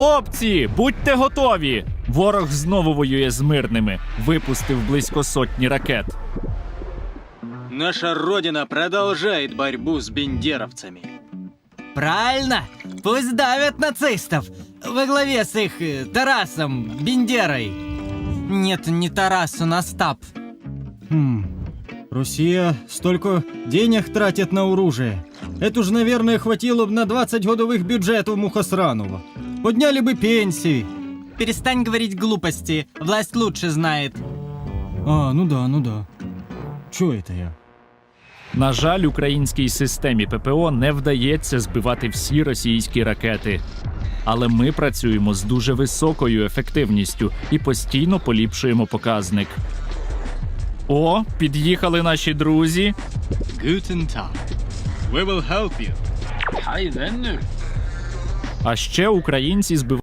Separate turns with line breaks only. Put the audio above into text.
Хлопці, будьте готові! Ворог знову воює з мирними. Випустив близько сотні ракет.
Наша Родина продолжает борьбу с бендеровцами.
Правильно! Пусть давят нацистов! Во главе с их Тарасом Бендерой! Нет, не Тарас, он Остап.
Россия столько денег тратит на оружие. Это же, наверное, хватило бы на 20 годовых бюджетов Мухосранова. Подняли бы пенсии.
Перестань говорить глупости, власть лучше знает.
Ну да. Чё это я?
На жаль, українській системі ППО не вдається збивати всі російські ракети. Але ми працюємо з дуже високою ефективністю і постійно поліпшуємо показник. О, під'їхали наші друзі.
Guten Tag. We will help you.
А ще українці збивають